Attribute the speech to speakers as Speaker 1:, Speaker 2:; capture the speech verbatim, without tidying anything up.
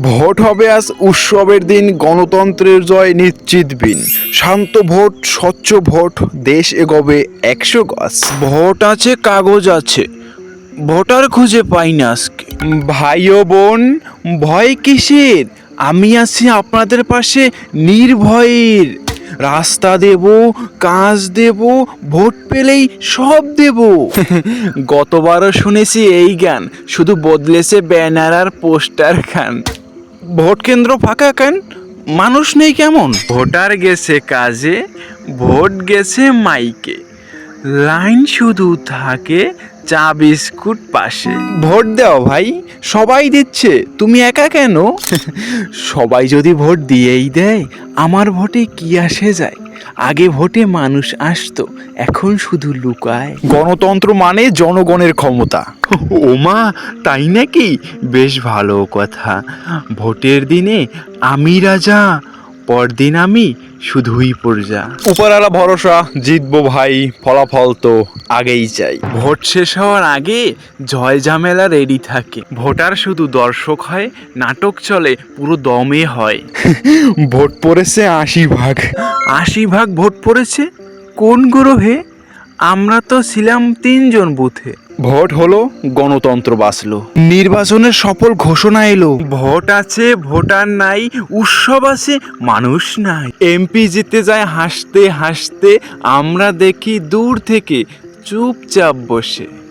Speaker 1: Vote হবে আজ উৎসবের দিন, গণতন্ত্রের জয় নিশ্চিত বিন। শান্ত ভোট, স্বচ্ছ ভোট, দেশ এগোবে একশো গজ। ভোট আছে, কাগজ আছে, ভোটার খুঁজে পাই না আজকে। ভাই ও বোন, ভয় কিসের? আমি আছি আপনাদের পাশে নির্ভয়ের। রাস্তা দেব, কাজ দেব, ভোট পেলেই সব দেব। গতবারও শুনেছি এই গান, শুধু বদলেছে ব্যানার আর পোস্টার খান। ভোট কেন্দ্র ফাঁকা কেন? মানুষ নেই কেমন? ভোটার গেছে কাজে, ভোট গেছে মাইকে, লাইন শুধু থাকে চা বিস্কুট পাশে। ভোট দাও ভাই, সবাই দিচ্ছে, তুমি একা কেন? সবাই যদি ভোট দিয়েই দেয়, আমার ভোটে কি আসে যায়? আগে ভোটে মানুষ আসতো, এখন শুধু লুকায়। গণতন্ত্র মানে জনগণের ক্ষমতা। ওমা, তাই নাকি? বেশ ভালো কথা। ভোটের দিনে আমি রাজা, পরদিন আমি শুধুই প্রজা। উপরালা ভরসা, জিতবো ভাই, ফলাফল তো আগেই চাই। ভোট শেষ হওয়ার আগে জয় ঝামেলা রেডি থাকে। ভোটার শুধু দর্শক হয়, নাটক চলে পুরো দমে হয়। ভোট পড়েছে আশি ভাগ। আশি ভাগ ভোট পড়েছে কোন গ্রহে? আমরা তো ছিলাম তিনজন বুথে। ভোট হলো, গণতন্ত্র বাঁচলো, নির্বাচনের সফল ঘোষণা এলো। ভোট আছে, ভোটার নাই, উৎসব আছে, মানুষ নাই। এমপি জিতে যায় হাসতে হাসতে, আমরা দেখি দূর থেকে চুপচাপ বসে।